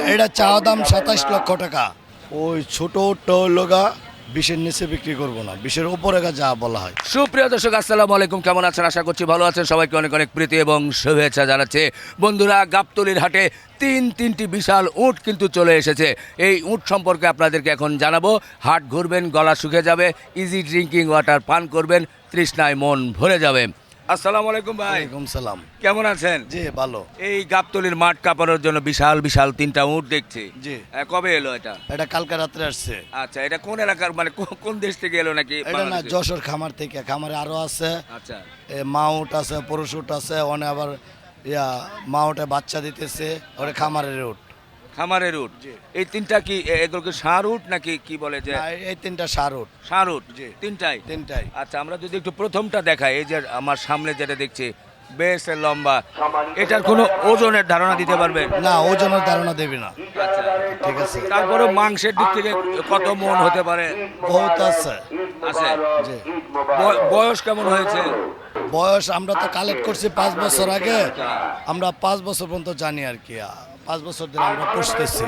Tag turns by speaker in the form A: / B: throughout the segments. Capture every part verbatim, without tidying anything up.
A: এটা চাওয়া দাম সাতাশ লক্ষ টাকা। ওই ছোট উটটা হলো গা বিশের নিচে বিক্রি করবো না, বিশের উপরে গা যা বলা হয়।
B: সুপ্রিয় দর্শক, আসসালামু আলাইকুম। কেমন আছেন? আশা করছি ভালো আছেন। সবাইকে অনেক অনেক প্রীতি এবং শুভেচ্ছা জানাচ্ছে। বন্ধুরা, গাবতলীর হাটে তিন তিনটি বিশাল উট কিন্তু চলে এসেছে। এই উট সম্পর্কে আপনাদেরকে এখন জানাবো। হাট ঘুরবেন, গলা শুকিয়ে যাবে, ইজি ড্রিঙ্কিং ওয়াটার পান করবেন, তৃষ্ণায় মন ভরে যাবে। আসসালামু আলাইকুম ভাই।
A: ওয়ালাইকুম সালাম।
B: কেমন আছেন?
A: জি ভালো।
B: এই গাবতলীর মাঠ কাঁপানোর জন্য বিশাল বিশাল তিনটা উট দেখছি।
A: জি।
B: আহ, কবে এলো এটা?
A: এটা কালকে রাত্রে আসছে।
B: আচ্ছা, এটা কোন এলাকার, মানে কো- কোন দেশ থেকে এলো নাকি?
A: এটা না,
B: বাংলাদেশে?
A: যশোর খামার থেকে। খামারে আরো আছে,
B: আচ্ছা
A: এ মাউট আছে, পুরুষ উট আছে, অনেক আবার ইয়া মাউটে বাচ্চা দিতেছে, ওটা খামারের উট।
B: খামারের উট।
A: জি।
B: এই তিনটা কি এ- এগুলোকে ষাঁড় উট নাকি কি বলে যে?
A: না, এই তিনটা সার উট।
B: ষাঁড় উট।
A: জি।
B: তিনটাই
A: তিনটাই।
B: আচ্ছা, আমরা যদি একটু প্রথমটা দেখাই, এই যে আমার সামনে যেটা দেখছি বেশ লম্বা, এটার কোনো ওজনের ধারণা দিতে পারবেন?
A: না, ওজনের ধারণা দেবে না।
B: আচ্ছা,
A: ঠিক আছে।
B: তারপরে মাংসের দিক থেকে কত মন হতে পারে?
A: বহুত আছে।
B: আছে।
A: জি।
B: বয়- বয়স কেমন হয়েছে?
A: বয়স আমরা তো কালেক্ট করছি পাঁচ বছর আগে, আমরা পাঁচ বছর পর্যন্ত জানি আর কি। পাঁচ বছর ধরে আমরা পুষতেছি।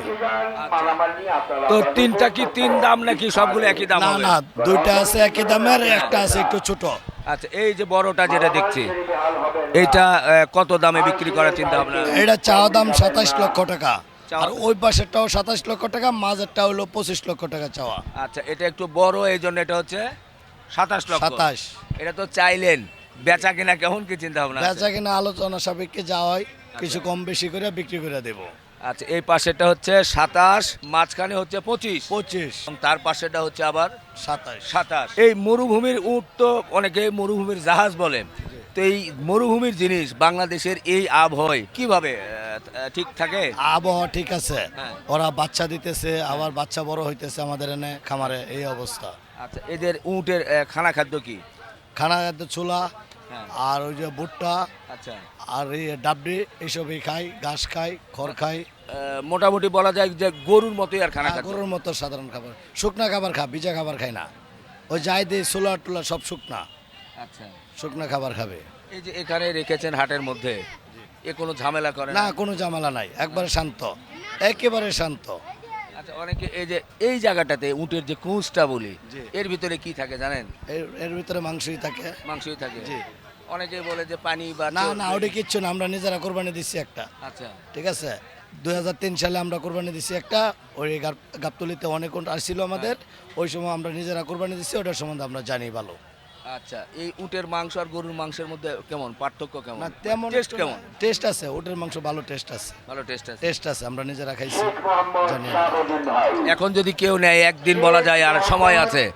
B: তো তিনটা কি তিন দাম নাকি সবগুলো একই দাম
A: না
B: হবে?
A: না, দুইটা আছে একই দামের, একটা আছে একটু ছোট।
B: আচ্ছা, এই যে বড়টা যেটা দেখছি, এইটা আহ, কত দামে বিক্রি করার চিন্তা ভাবনা?
A: এটা চাওয়া দাম সাতাশ লক্ষ টাকা।
B: চাওয়া-
A: আর ওই পাশেরটাও সাতাশ লক্ষ টাকা, মাঝেরটা হলো পঁচিশ লক্ষ টাকা চাওয়া।
B: আচ্ছা, এটা একটু বড়, এই জন্য এটা হচ্ছে সাতাশ লক্ষ।
A: সাতাশ।
B: এটা তো চাইলেন, বেচা কিনা কেমন কি চিন্তা ভাবনা আছে?
A: বেচা কিনা আলোচনা সাপেক্ষে যা হয় কিছু কম বেশি করে বিক্রি করে দেবো।
B: আচ্ছা, এই পাশেটা হচ্ছে সাতাশ, মাঝখানে হচ্ছে পঁচিশ,
A: পঁচিশ,
B: এবং তার পাশেটা হচ্ছে আবার
A: সাতাশ।
B: সাতাশ। এই মরুভূমির উট তো অনেকে মরুভূমির জাহাজ বলে। তো এই মরুভূমির জিনিস বাংলাদেশের এই আবহাওয়ায় কিভাবে আহ, ঠিক থাকে?
A: আবহাওয়া ঠিক আছে,
B: হ্যাঁ।
A: ওরা বাচ্চা দিতেছে, আবার বাচ্চা বড় হইতেছে আমাদের এনে খামারে, এই অবস্থা।
B: আচ্ছা, এদের উটের আহ, খানা খাদ্য কি?
A: খানা খাদ্য ছোলা,
B: হ্যাঁ।
A: আর ওই যে ভুট্টা,
B: আচ্ছা,
A: আর এই ডাবডি, এইসবই খাই, ঘাস খাই, খড় খাই।
B: আহ, মোটামুটি বলা যায় যে গরুর মতোই আর খানা খাদ্য।
A: গরুর মতো সাধারণ খাবার, শুকনা খাবার খা, ভিজা খাবার খাই না। ওই যাই দিই ছোলা টুলা সব শুকনা,
B: আচ্ছা,
A: শুকনা খাবার খাবে।
B: এই যে এখানে রেখেছেন হাটের মধ্যে, এ কোনো ঝামেলা করে
A: না, কোনো ঝামেলা নাই, একবারে শান্ত, একেবারে শান্ত।
B: আচ্ছা, অনেকে এই যে এই জায়গাটাতে উটের যে কুঁচটা বলি,
A: জি।
B: এর ভিতরে কি থাকে জানেন?
A: এর এর ভিতরে মাংসই থাকে।
B: মাংসই থাকে।
A: জি।
B: অনেকে বলে যে পানি বা
A: না
B: চর্বি।
A: না, ওটা কিচ্ছু না, আমরা নিজেরা কোরবানি দিচ্ছি একটা।
B: আচ্ছা,
A: ঠিক আছে, দুই হাজার তিন সালে আমরা কোরবানি দিচ্ছি একটা, ওই গাব- গাবতলীতে অনেক উট আসছিল আমাদের, ওই সময় আমরা নিজেরা কোরবানি দিচ্ছি, ওটার সম্বন্ধে আমরা জানি ভালো।
B: আচ্ছা, এই উটের মাংস আর গরুর মাংসের মধ্যে কেমন পার্থক্য, কেমন
A: না তেমন
B: টেস্ট কেমন?
A: টেস্ট আছে, ওটার মাংস ভালো টেস্ট আছে।
B: ভালো টেস্ট আছে।
A: টেস্ট আছে, আমরা নিজেরা খাইছি, জানি আমরা।
B: এখন যদি কেউ নেয়, একদিন বলা যায় আর সময় আছে,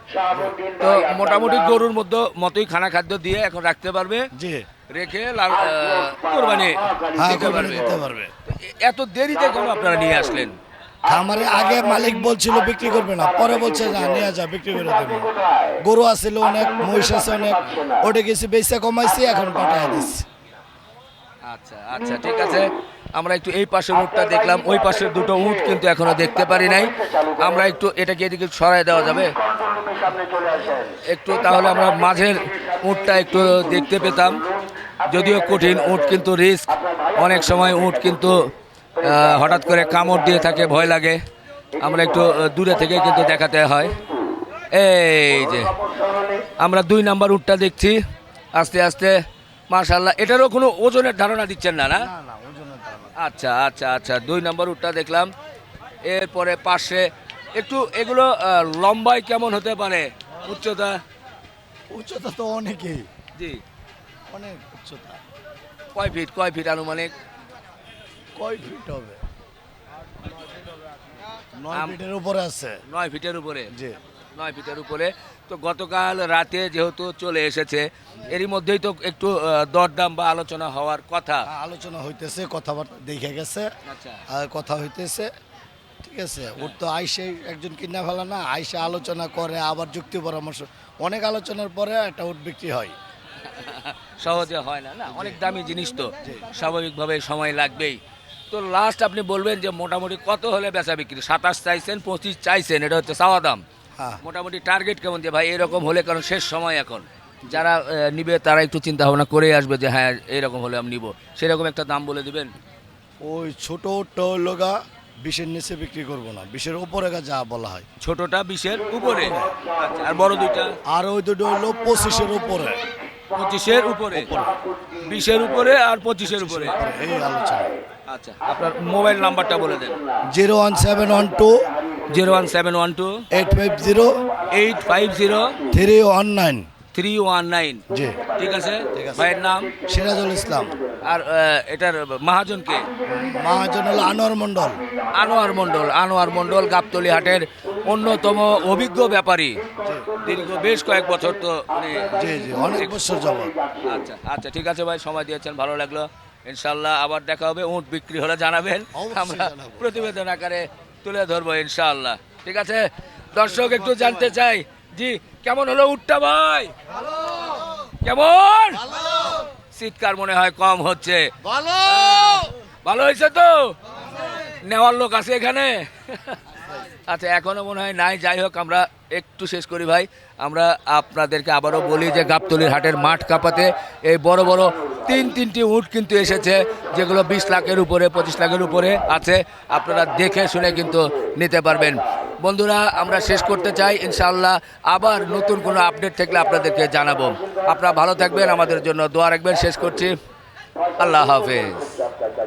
B: তো মোটামুটি গরুর মধ্যে মতোই খানা খাদ্য দিয়ে এখন রাখতে পারবে,
A: জি।
B: রেখে লাল আহ, কোরবানি
A: হ্যাঁ,
B: দিতে
A: কোরবানি
B: পারবে।
A: দিতে পারবে।
B: তো এ- এত দেরিতে কেন আপনারা নিয়ে আসলেন?
A: খামারে আগে মালিক বলছিল বিক্রি করবে না, পরে বলছে না নিয়ে যা, বিক্রি করে দেবো। গরু আছিল অনেক, মহিষ আছে অনেক, ওটা গেছি বেচা কমাইছি, এখন পাঠায় দিচ্ছি।
B: আচ্ছা আচ্ছা, ঠিক আছে। আমরা একটু এই পাশের উটটা দেখলাম, ওই পাশের দুটো উট কিন্তু এখনো দেখতে পারি নাই। আমরা একটু এটাকে এদিকে সরাই দেওয়া যাবে একটু, তাহলে আমরা মাঝের উটটা একটু দেখতে পেতাম। যদিও কঠিন উট, কিন্তু রিস্ক। অনেক সময় উট কিন্তু আহ, হঠাৎ করে কামড় দিয়ে থাকে, ভয় লাগে। আমরা একটু আহ, দূরে থেকে কিন্তু দেখাতে হয়। এই যে আমরা দুই নাম্বার উটটা দেখছি, আস্তে আস্তে। মাশাআল্লাহ, এটারও কোনো ওজনের ধারণা দিচ্ছেন না? না,
A: না না, ওজনের ধারণা।
B: আচ্ছা আচ্ছা আচ্ছা, দুই নম্বর উটটা দেখলাম। এরপরে পাশে একটু এগুলো আহ, লম্বায় কেমন হতে পারে, উচ্চতা?
A: উচ্চতা তো অনেকই,
B: জি।
A: অনেক উচ্চতা।
B: কয় ফিট কয় ফিট আনুমানিক?
A: কয় ফিট হবে? নয়
B: আম-
A: ফিটের উপরে আছে।
B: নয় ফিটের উপরে।
A: জি।
B: নয় ফিটের উপরে। তো গতকাল রাতে যেহেতু চলে এসেছে, এরই মধ্যেই তো একটু আহ, দরদাম বা আলোচনা হওয়ার কথা।
A: আলোচনা হইতেছে, কথাবার্তা দেখে গেছে,
B: আচ্ছা
A: আর কথা হইতেছে। ঠিক আছে, ওর তো আইসে একজন কিনা ফেলা না, আইসে আলোচনা করে, আবার যুক্তি পরামর্শ, অনেক আলোচনার পরে একটা উট বিক্রি হয়।
B: সহজে হয় না, না অনেক দামি জিনিস, তো স্বাভাবিকভাবে সময় লাগবেই। তো লাস্ট আপনি বলবেন যে মোটামুটি কত হলে বেচা বিক্রি? সাতাশ চাইছেন, পঁচিশ চাইছেন, এটা হচ্ছে চাওয়া দাম।
A: হ্যাঁ,
B: মোটামুটি টার্গেট কেমন যে ভাই এরকম হলে, কারণ শেষ সময় এখন, যারা আহ, নিবে তারা একটু চিন্তা ভাবনা করে আসবে যে হ্যাঁ এরকম হলে আমি নিব, সেরকম একটা দাম বলে দিবেন।
A: ওই ছোট উটটা হলো গা বিশের নিচে বিক্রি করব না, বিশের উপরে যা বলা হয়।
B: ছোটটা বিশের উপরে, আচ্ছা, আর বড় দুইটা
A: আর ওই দুটো হলো পঁচিশের উপরে,
B: পঁচিশের উপরে, বিশের উপরে আর পঁচিশের উপরে।
A: এই আলোচনা।
B: আচ্ছা, আপনার মোবাইল নাম্বারটা বলে দেন।
A: Zero one seven one two
B: zero one seven one two
A: eight five zero
B: eight five zero
A: three one nine.
B: Three one nine.
A: জি,
B: ঠিক আছে।
A: ঠিক আছে।
B: ভাইয়ের নাম?
A: সিরাজুল ইসলাম।
B: আর আহ, এটার মহাজনকে?
A: মহাজন হলো আনোয়ার মন্ডল।
B: আনোয়ার মণ্ডল। আনোয়ার মণ্ডল গাবতলী হাটের অন্যতম অভিজ্ঞ ব্যাপারী, দীর্ঘ বেশ কয়েক বছর তো উনি।
A: জি জি, অনেক বছর যাবত।
B: আচ্ছা আচ্ছা, ঠিক আছে ভাই, সময় দিয়েছেন, ভালো লাগলো। ইনশাল্লাহ আবার দেখা হবে, উট বিক্রি হলে জানাবেন,
A: অবশ্যই
B: আমরা
A: জানাবো।
B: প্রতিবেদন আকারে তুলে ধরবো ইনশাআল্লাহ। ঠিক আছে, দর্শক একটু জানতে চাই, জি কেমন হলো উটটা ভাই? কেমন? শীতকার মনে হয় কম হচ্ছে। ভালো হয়েছে তো? নেওয়ার লোক আছে এখানে? আচ্ছা, এখনো মনে হয় নাই। যাই হোক, আমরা একটু শেষ করি ভাই। আমরা আপনাদেরকে আবারও বলি যে গাবতলীর হাটের মাঠ কাঁপাতে এই বড় বড় তিন তিনটি উট কিন্তু এসেছে, যেগুলো বিশ লাখের উপরে, পঁচিশ লাখের উপরে আছে। আপনারা দেখে শুনে কিন্তু নিতে পারবেন। বন্ধুরা, আমরা শেষ করতে চাই, ইনশাআল্লাহ আবার নতুন কোনো আপডেট থাকলে আপনাদেরকে জানাবো। আপনারা ভালো থাকবেন, আমাদের জন্য দোয়া রাখবেন। শেষ করছি, আল্লাহ হাফেজ।